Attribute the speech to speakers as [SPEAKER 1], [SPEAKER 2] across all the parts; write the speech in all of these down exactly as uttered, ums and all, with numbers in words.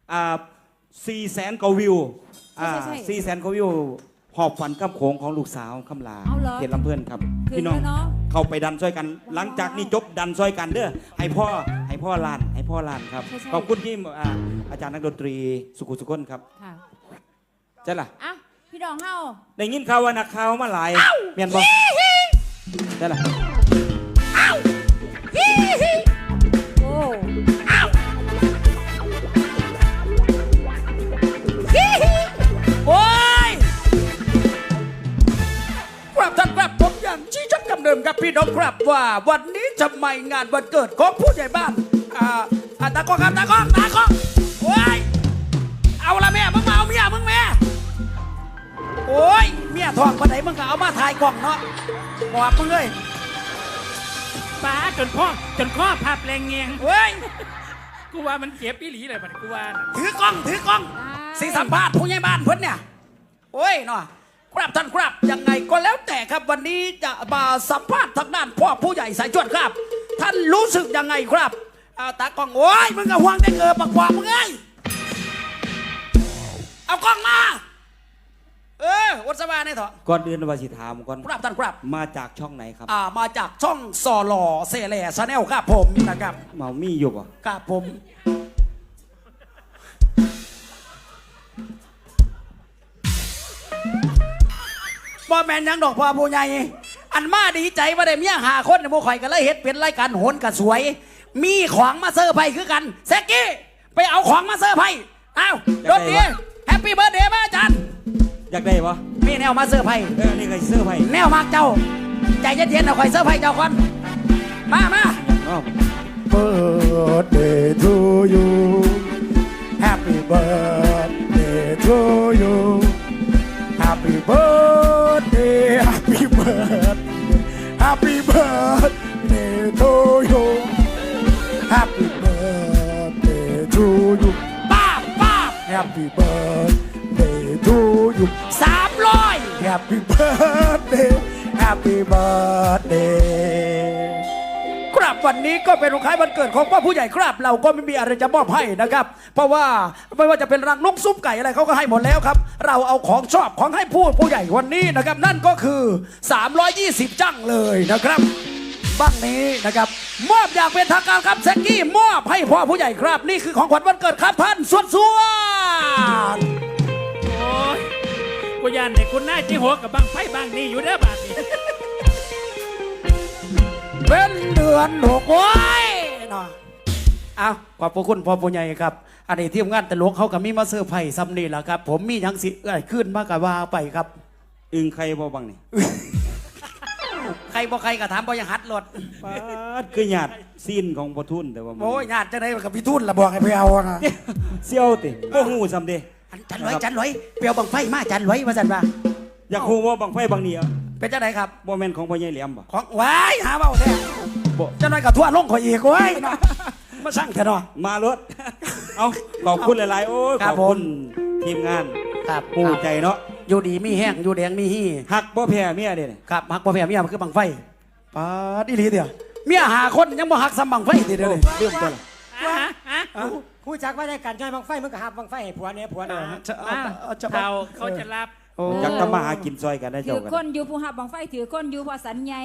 [SPEAKER 1] อ่าสี่แสนกว่าวิวอ่าสี่แสนกว่าวิวหอบฝันกับโขงของลูกสาวคำลาเขตลำเพลินครับพี่น้องเข้าไปดันช่วยกันหลังจากนี้จบดันช่วยกันเด้อให้พ่อให้พ่อลานให้พ่อลานครับขอบคุณที่อาจารย์นักดนตรีสุขุสุขนครับใช่ล่ะ
[SPEAKER 2] อ่ะพี่น้องเฮา
[SPEAKER 1] ได้ยินข่าวว่านักข่าวมาหลายเมียนบอกใช่ล่ะ
[SPEAKER 2] โอ้
[SPEAKER 3] โอ้ยครับท่านครับผมยังชี้ชัดคำเดิมครับพี่น้องครับว่าวันนี้จะไม่งานวันเกิดของผู้ใหญ่บ้านอ่าอ่าตากล้องครับตากล้องตากล้องโอ้ยเอาละแม่มึงมาเอาเมียมึงแม่โอ้ยเมียทองคนไหนมึงก็เอามาถ่ายกล่องเนาะบอกมึงเลย
[SPEAKER 4] ป้าจนพ่อจนข้อภาพแรงเงียง
[SPEAKER 3] เฮ้ย
[SPEAKER 4] กูว่ามันเจ็บปีหลีเลยบัดกูว่า
[SPEAKER 3] ถือกล้องถือกล้องสีสัมภาษณ์ผู้ใหญ่บ้านเพิ่นเนี่ยโอ้ยเนาะครับท่านครับยังไงก็แล้วแต่ครับวันนี้จะมาสัมภาษณ์ทางด้านพ่อผู้ใหญ่สายจวดครับท่านรู้สึกยังไงครับเอาตากล้องโอ้ยมึงก็ห่วงได้เกิดปากกว่ามึงไงเอากล้องมาเออวัดสบายนี่เถอะ
[SPEAKER 1] ก่อนอื่นวาสิถามก่อน
[SPEAKER 3] ครับท่านครับ
[SPEAKER 1] มาจากช่องไหนครับ
[SPEAKER 3] อ่ามาจากช่องซอลอเซเลชาแนลครับผมนะครับ
[SPEAKER 1] เมามีอยู่ป่ะ
[SPEAKER 3] ครับผมบ่แม่นยังดอกพ่อผู้ใหญ่อันมาดีใจว่าได้เมียหาคนในโมข่อยกันเลยเฮ็ดเป็นรายการโหนกันสวยมีของมาเซอร์ไพรส์คือกันแซกกี้ไปเอาของมาเซอร์ไพรส์อ้าวรถดีแฮปปี้เบิร์ดเดย์มาอาจารย์
[SPEAKER 1] อยากได้ปะ
[SPEAKER 3] มีแนวมาเซอร์ไพรส์
[SPEAKER 1] เออนี่ใครเซอร์ไพรส์
[SPEAKER 3] แนวมากเจ้าใจเย็นๆเอาข่อยเซอร์ไพรส์เจ้าก่อนมามา
[SPEAKER 5] Birthday to you Happy birthday to you Happy birthday Happy birthday Happy birthday to you Happy birthday to you
[SPEAKER 3] ป้าป้า
[SPEAKER 5] Happy birthday to you
[SPEAKER 3] สามร้อย
[SPEAKER 5] Happy birthday Happy birthday
[SPEAKER 3] ครับวันนี้ก็เป็นวันคล้ายวันเกิดของพ่อผู้ใหญ่ครับเราก็ไม่มีอะไรจะมอบให้นะครับเพราะว่าไม่ว่าจะเป็นรังนกซุปไก่อะไรเขาก็ให้หมดแล้วครับเราเอาของชอบของให้ผู้ผู้ใหญ่วันนี้นะครับนั่นก็คือสามร้อยยี่สิบจังเลยนะครับบ้างนี้นะครับมอบอย่างเป็นทางการครับแซกกี้มอบให้พ่อผู้ใหญ่ครับนี่คือของขวัญวันเกิดครับท่านสวดสวด
[SPEAKER 4] โอ้ยกูยันเด็กคุณนายจีหัวกับบังไฟบางนี่อยู่เด้อบาดนี้
[SPEAKER 3] เป็นเดือนหกโอ้ยเนาะเอาขอบพระคุณพ่อผู้ใหญ่ครับอันนี้ทีมงานตลกเขากับมีมาเซอร์ไพรส์ซ้ำนี่แหละครับผมมียังสิเอ้ยขึ้นมากกับว่าไปครับ
[SPEAKER 1] อึงใครบ่บังนี่
[SPEAKER 3] ใครบ่ใครก็ถามบ่ยังหัดรถ
[SPEAKER 1] ป้าดคือหยาดซีนของพ่อทุนแต่ว่า
[SPEAKER 3] โอ้ยหยาดจะได้กับพี่ทุนละบอกให้ไปเอานะ
[SPEAKER 1] เซี่ยวติบ่ฮู้ซ้ำเด้
[SPEAKER 3] จันลอยจันลอยเปียวบังไฟมาจันลอยว่าจันว่า
[SPEAKER 1] อยากฮู้ว่าบังไฟบังนี่อ่ะ
[SPEAKER 3] เป็นจังไดครับ
[SPEAKER 1] บ่แม่นของพ่อใหญ่แหลมบ่
[SPEAKER 3] ของว้ายหาเบาแท้จันลอยกับทั่วลงข่อยอีกเว้ยมาสั่งเถอะเนาะ
[SPEAKER 1] มารถเอาขอบคุณหลายๆโอ้ยขอบคุณทีมงาน
[SPEAKER 3] ครับ
[SPEAKER 1] ผู้ใจเนาะ
[SPEAKER 3] อยู่ดีมีแห้งอยู่แดงมีฮี่
[SPEAKER 1] หักบ่แพ้เมียเด้
[SPEAKER 3] ครับหักบ่แพ้เมียมันคือบังไฟปาดอีหลีเดียวเมียหาคนยังบ่หักซ้ำบังไฟทีเดียวเลย
[SPEAKER 1] เรื่องตัว
[SPEAKER 5] ผู้จักว่าได้การใช้บังไฟมันก็หักบังไฟให้ผัวเนี่ยผัวนะ
[SPEAKER 4] เขาเขาจะรับ
[SPEAKER 1] จักทำมาหากินซอยกันได้เจ้ากัน
[SPEAKER 2] ถือก้นอยู่ผู้หับบังไฟถือก้นอยู่พอสันใหญ่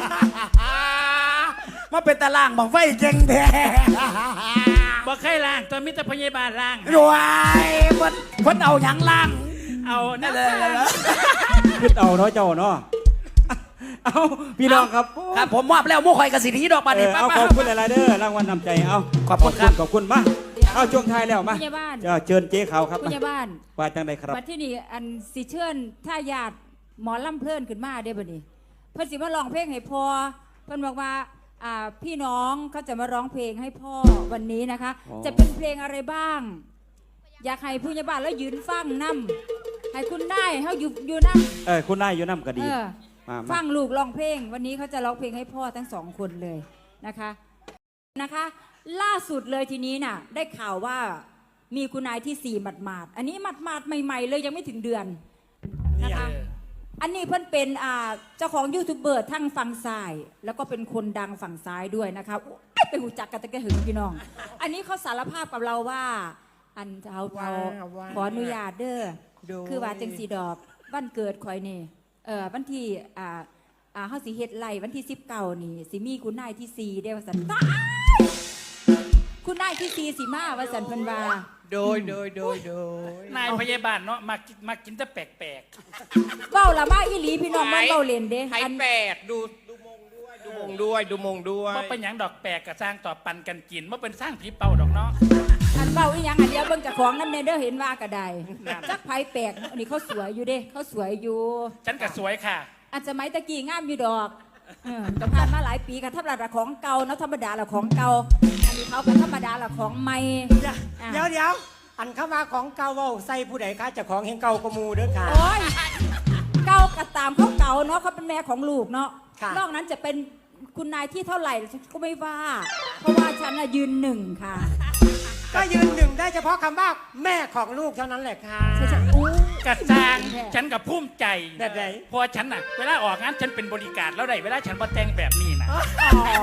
[SPEAKER 3] มาเป็นตารางบังไฟเก่งแท้
[SPEAKER 4] บอกใครล่างตอนมิตรพยาบาลล่าง
[SPEAKER 3] รวยคนคนเอาหยังล่าง
[SPEAKER 4] เอานั่นเลย
[SPEAKER 1] ขึ้นเอาเนาะเจ้าเนาะเอาพี่น้องครับ
[SPEAKER 3] ครับผมมอบแล้วมู่คอยกระสีนี้ดอกบานนี้
[SPEAKER 1] เอาขอบคุณหลายๆเด้อรางวัลนำใจเอา
[SPEAKER 3] ขอบคุณครับ
[SPEAKER 1] ขอบคุณมาเอาช่วงท้ายแล้วมาเชิญเจ๊ขาวครับ
[SPEAKER 2] ผู้ใหญ่บ้าน
[SPEAKER 1] ว่าจังใดครับ
[SPEAKER 2] บัดที่นี่อันสิเชิญถ้าญาติหมอลำเพลินขึ้นมาได้บ่นี่เพิ่นสิมาร้องเพลงให้พ่อเพิ่นบอกว่าอ่าพี่น้องเขาจะมาร้องเพลงให้พ่อวันนี้นะคะจะเป็นเพลงอะไรบ้างอยากให้ผู้ใหญ่บ้านแล้วยืนฟังนำให้คุณได้เฮาอยู่อยู่นำ
[SPEAKER 1] เออคุณได้อยู่นำก็ดี
[SPEAKER 2] ฟังลูกร้องเพลงวันนี้เขาจะร้องเพลงให้พ่อทั้งสองคนเลยนะคะนะคะล่าสุดเลยทีนี้น่ะได้ข่าวว่ามีคุณนายที่สี่หมัดหมาดอันนี้หมัดหมาดใหม่ๆเลยยังไม่ถึงเดือนนะคะอันนี้เพิ่นเป็นอ่าเจ้าของยูทูบเบอร์ทั้งฝั่งซ้ายแล้วก็เป็นคนดังฝั่งซ้ายด้วยนะคะไปหูจักกันตะแกหึงพี่น้องอันนี้เขาสารภาพกับเราว่าอันเท้าเท้า
[SPEAKER 5] ว้าวว้าว
[SPEAKER 2] ขออนุญาตเด้อ
[SPEAKER 5] โดย
[SPEAKER 2] คือว่าจังสีดอกวันเกิดคอยนี่เออวันที่อ่าอ่าเฮาสิเฮ็ดไล่วันที่สิบเก้านี่สิมีคุณนายที่สี่เด้อว่าสันตายคุณนายที่สี่สิมาว่าสันเพิ่นว่า
[SPEAKER 5] โดยโดยโดยโดย
[SPEAKER 4] นายพยาบาลเนาะมากินมากินแต่แปลก
[SPEAKER 2] เว้าละมาอีหลีพี่น้องมันเว้าเล่นเด้
[SPEAKER 6] ไทย
[SPEAKER 2] อัน
[SPEAKER 6] แปดดูดูมงด้วยดูมงด้วยดูมงด้ว
[SPEAKER 4] ๆ
[SPEAKER 6] ย
[SPEAKER 4] ว่าเป็นหยังดอกแปลกกับสร้างต่อปันกันกินว่าเป็นสร้างผีเป่าดอกเนาะ
[SPEAKER 2] อันเว้าอีหยังอันเดียวเบิ่งเจากของนำแน่เด้อเห็นว่าก็ได้
[SPEAKER 4] นั่น
[SPEAKER 2] จักไผแปลกอันนี้เขาสวยอยู่เด้เขาสวยอยู่
[SPEAKER 4] ฉันก็สวยค่ะ
[SPEAKER 2] อันสมัยตะกี้งามอยู่ดอกเออก็ผ่านมาหลายปีกับธรรมดาของเก่าเนาะธรรมดาละของเก่าอันนี้เขาก็ธรรมดาละของใหม่
[SPEAKER 5] เดี๋ยวเดี๋ยวอันเข้ามาของเก่าเว้าใส่ผู้ใดคะเจะของเฮงเก่ากว่าหมูเด้อค่ะ
[SPEAKER 2] โอ้ยเก่าก็ตามเขาเก่าเนาะเขาเป็นแม่ของลูกเนาะ
[SPEAKER 5] ค่ะ
[SPEAKER 2] นอกนั้นจะเป็นคุณนายที่เท่าไหร่ฉันก็ไม่ว่า เพราะว่าฉันน่ะยืนหนึ่งค่ะ
[SPEAKER 5] ก็ยืนหนึ่งได้เฉพาะคำว่าแม่ของลูกเท่านั้นแหละค่ะ
[SPEAKER 2] ใช่ใช่อู้
[SPEAKER 4] กระจางฉันกับภูมิใจ
[SPEAKER 5] แบบไหน
[SPEAKER 4] เพราะฉันน่ะเวลาออกงานฉันเป็นบริการแล้วได้เวลาฉันมาแต่งแบบนี้นะ
[SPEAKER 2] อ๋อ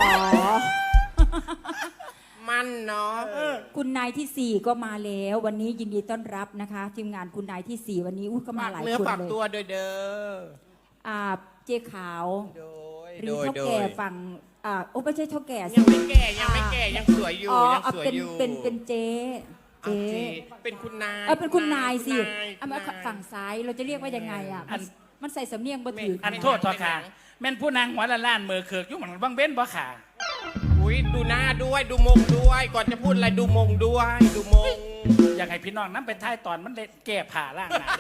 [SPEAKER 6] มันเนาะ
[SPEAKER 2] คุณนายที่สี่ก็มาแล้ว วันนี้ยินดีต้อนรับนะคะทีมงานคุณนายที่สี่วันนี้อู้ก็มา
[SPEAKER 6] ฝาก
[SPEAKER 2] หลาย
[SPEAKER 6] เนื้อ
[SPEAKER 2] คน
[SPEAKER 6] ฝาก
[SPEAKER 2] เลย
[SPEAKER 6] ตัวโดยเด้อ
[SPEAKER 2] อ่าเจ๊ขาว
[SPEAKER 6] โดย
[SPEAKER 2] หรื
[SPEAKER 6] โด
[SPEAKER 2] อย เท่า
[SPEAKER 6] โด
[SPEAKER 2] แก่
[SPEAKER 6] ย
[SPEAKER 2] ฝั่งอ่าโอ้ไม่ใช่เท่าแก่สิ
[SPEAKER 6] ยังไม่แก่ยังไม่แก่ยังสวยอยู่
[SPEAKER 2] อ๋อ
[SPEAKER 6] ยัง
[SPEAKER 2] เอา
[SPEAKER 6] สวย
[SPEAKER 2] เป็น
[SPEAKER 6] อยู่
[SPEAKER 2] เป็นเป็นเจ๊
[SPEAKER 6] เอา
[SPEAKER 2] เจ๊
[SPEAKER 6] สิเป็นคุณนาย
[SPEAKER 2] เออเป็นคุณนายสิ
[SPEAKER 6] คุณนาย
[SPEAKER 2] เอามา
[SPEAKER 6] คุณนาย
[SPEAKER 2] ฝั่งซ้ายเราจะเรียกว่ายังไงอ่ะมันมันใส่สำเนียงบ่ถือ
[SPEAKER 4] อันโทษทอค่ะแม่นผู้นางหัวละล้านมือเคิกอยุ่งเหมือนบังเบ้นบ่ค่ะ
[SPEAKER 6] อุ้ยดูหน้าด้วยดูมงด้วย ก่อนจะพูดอะไรดูมงด้วยดูมง
[SPEAKER 4] อยากให้พี่น้องนั้นไปท้ายตอนมันเล่นแก้ผ่าล่างหนาดิ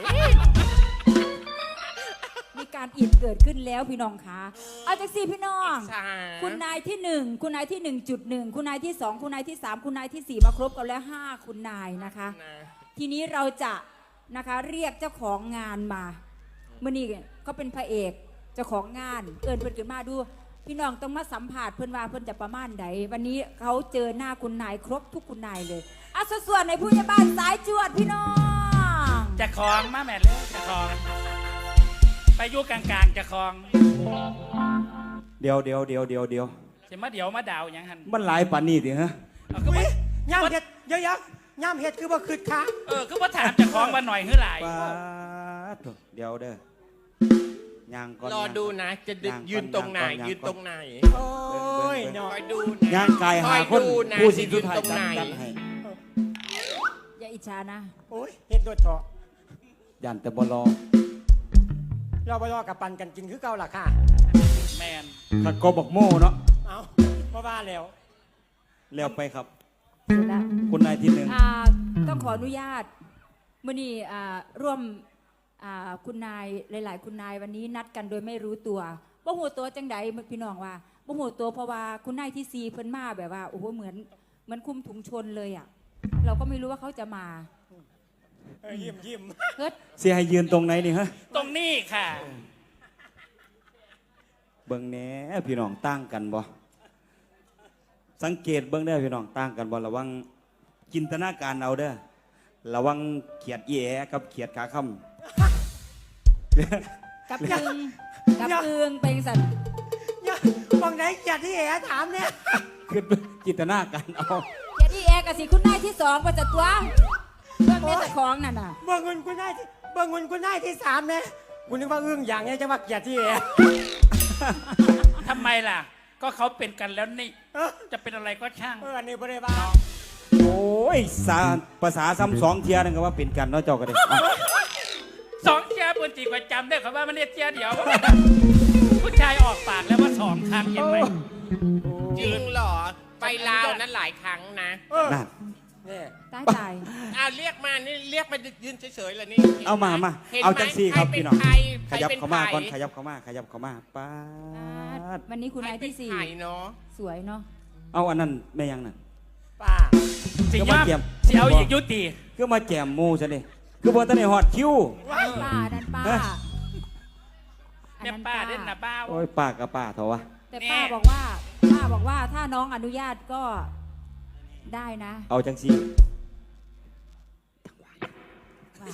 [SPEAKER 2] มีการอิดเกิดขึ้นแล้วพี่น้องคะเอาจากสี่พี่น้อง
[SPEAKER 6] ใช่
[SPEAKER 2] คุณนายที่หนึ่งคุณนายที่หนึ่งจุดหนึ่งคุณนายที่สองคุณนายที่สามคุณนายที่สี่มาครบกันแล้วห้าคุณนายนะคะ
[SPEAKER 6] นะ
[SPEAKER 2] ทีนี้เราจะนะคะเรียกเจ้าของงานมาเมื่อนี้เขาเป็นพระเอกเจ้าของงานเอิญเพิ่นขึ้นมาดู พี่น้องต้องมาสัมผัสเพิ่นว่าเพิ่นจะประมาณใดวันนี้เขาเจอหน้าคุณนายครบทุกคุณนายเลยอ่ะส่วนในผู้ใหญ่บ้านสายจวดพี่น้อง
[SPEAKER 4] จะคลองมาแม่เร็วจะคลอง ไปอยู่กลางๆจะคลอง
[SPEAKER 1] เดี๋ยวเดี๋ยวเดี๋ยวเดี๋ยวเดี๋ยว
[SPEAKER 4] จะมาเดี๋ยวมาดาวหยังหัน
[SPEAKER 1] มันหลายปานนี้ดิฮะ
[SPEAKER 4] เอาคือ
[SPEAKER 5] อุ้
[SPEAKER 4] ว่าย
[SPEAKER 5] ย่ำเห็ดเยอะๆย่ำเห็ดคือบ่คืดค่ะ
[SPEAKER 4] เออคือว่าถามจะคลองมาหน่อยเฮือหลาย
[SPEAKER 1] ปาดเดี๋ยวเด้อย่างก่อน
[SPEAKER 6] รอดูนะ จะดึ
[SPEAKER 1] าง
[SPEAKER 6] ยืนตรงไหน
[SPEAKER 1] างก่อ
[SPEAKER 6] ยืนตรงไหน
[SPEAKER 5] โอ้ยเนาะ
[SPEAKER 6] คอยดูนะ
[SPEAKER 1] ย่างกายหาคน
[SPEAKER 6] อยดูนะ
[SPEAKER 1] ผู้สิ
[SPEAKER 6] จะ
[SPEAKER 1] สุ
[SPEAKER 6] ยื
[SPEAKER 1] ด
[SPEAKER 6] น
[SPEAKER 1] ท้าย
[SPEAKER 6] ตรง
[SPEAKER 1] จัด
[SPEAKER 6] ไหน
[SPEAKER 1] จัดให้
[SPEAKER 2] อย่าอิจฉานะ
[SPEAKER 5] โอ้ยเห็ดโดดเถาะ
[SPEAKER 1] ยันแต่บ่รอ
[SPEAKER 5] เราไปรอกับปันกันกินคือเก่าล่ะค่ะ
[SPEAKER 4] แมน
[SPEAKER 1] ขัดกอบอกโม่เนาะ
[SPEAKER 5] เอาเพราะว่าแล้ว
[SPEAKER 1] แล้วไปครับ
[SPEAKER 2] เสร็จแล้ว
[SPEAKER 1] คุณนายที่หนึ่ง
[SPEAKER 2] อ่าต้องขออนุญาตมื่อนี้อ่าร่วมอ่าคุณนายหลาย ๆ คุณนายวันนี้นัดกันโดยไม่รู้ตัวบ่หูตัวจังใดพี่น้องว่าบ่หูตัวเพราะว่าคุณนายที่ซีเพิ่นมาแบบว่าโอ้โหเหมือนเหมือนคุมถุงชนเลยอ่ะเราก็ไม่รู้ว่าเขาจะมา
[SPEAKER 5] เออยิ้มยิ้ม
[SPEAKER 2] เฮ้ย
[SPEAKER 1] เสียให้ยืนตรงไหนนี่ฮะ
[SPEAKER 4] ตรงนี้ค่ะ
[SPEAKER 1] เบิ่งแหน่พี่น้องต่างกันบ่สังเกตเบิ่งได้อพี่น้องต่างกันบ่ระวังจินตนาการเอาเด้อระวังเขียดอีแอกับเขียดขาค่ำ
[SPEAKER 2] กับอึงกับอึงเป็นสัตว์
[SPEAKER 5] อย่าบังไหนจัดที่แอถามเนี่ย
[SPEAKER 1] คือจินตนาการเอา
[SPEAKER 2] เจดีแอร์กับสิคุณนายที่สองประจัดตัวเรื่องแม่ตะของนั่นน่ะ
[SPEAKER 5] เบิ่งเงินกูได้ที่เบิ่งเงินกูได้ที่สามเนี่ยกูนึกว่าอึ้งอย่างเนี้ยจะมาเกลียดที่แอ
[SPEAKER 4] ทำไมล่ะ ก็เขาเป็นกันแล้วนี่
[SPEAKER 5] เออ
[SPEAKER 4] จะเป็นอะไรก็ช่าง
[SPEAKER 5] เอออันนี้บริบาล
[SPEAKER 1] โอ้ยสาภาษาซ้ำสองเทียนั่นก็ว่าเป็นกันเนาะเจ้าก็ได้เอา
[SPEAKER 4] สองเจ้าบนจีประจำได้เขาว่ามันเรียกเจ้าเดียว ผู้ชายออกปากแล้วว่าสองครั้งเห็นไหม
[SPEAKER 6] จริงเหรอ ไปลาวนั้นหลายครั้งนะ
[SPEAKER 5] เออ
[SPEAKER 1] นั่น
[SPEAKER 5] เนี่ย
[SPEAKER 2] ตายตาย
[SPEAKER 6] อ้าวเรียกมานี่เรียกมายืนเฉยๆเลยนี่
[SPEAKER 1] เอามามา
[SPEAKER 6] ห็นไห
[SPEAKER 1] เอาจังซี่ครับ
[SPEAKER 6] ใเป็น
[SPEAKER 1] พี่น้อง
[SPEAKER 6] ใคร
[SPEAKER 1] ขยับ
[SPEAKER 6] ใครป็น
[SPEAKER 1] เข้ามาก่อน
[SPEAKER 6] ใค
[SPEAKER 1] ข
[SPEAKER 6] ร
[SPEAKER 1] ยับเข้ามาขยับเข้ามาป้าด
[SPEAKER 2] วันนี้คุณนายที่สี่
[SPEAKER 6] ใครเป็นใครเนาะ
[SPEAKER 2] สวยเนาะ
[SPEAKER 1] เอาอันนั้นแม่ยังนั่น
[SPEAKER 5] ป้า
[SPEAKER 4] สิ
[SPEAKER 1] ก็
[SPEAKER 4] ย
[SPEAKER 1] มา
[SPEAKER 4] อม
[SPEAKER 1] เกี่ยม
[SPEAKER 4] สิเอาอีกยุติ
[SPEAKER 1] คือมาแจมหมูซะนี่คือบ่ทันได้ฮอดคิว
[SPEAKER 2] ป้านั่นป้า
[SPEAKER 1] ฮะ
[SPEAKER 2] อัน
[SPEAKER 4] แม่
[SPEAKER 2] นั้น
[SPEAKER 4] ป้าเด่นนะป้า
[SPEAKER 1] โอ้ยป้ากับป้าเถอะวะ
[SPEAKER 2] แต่ป้าบอกว่าป้าบอกว่าถ้าน้องอนุญาตก็ได้นะ
[SPEAKER 1] เอาจังซี่
[SPEAKER 2] ว่า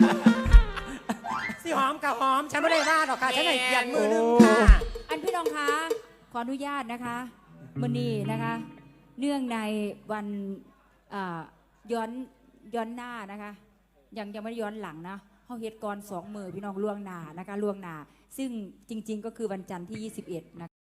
[SPEAKER 5] สิหอมกับหอมฉันไม่ได้ว่าหรอกค่ะฉันให้เกียรติมือหนึงค่ะ
[SPEAKER 2] อันพี่น้องคะขออนุญาตนะคะมื่อนี้นะคะ เนื่องในวันอ่าย้อนย้อนหน้านะคะ ยังยังไม่ได้ย้อนหลังนะเขาเฮ็ดก่อนสองมือพี่น้องล่วงหน้านะคะล่วงหน้าซึ่งจริง ๆ ก็คือวันจันทร์ที่ยี่สิบเอ็ดนะคะ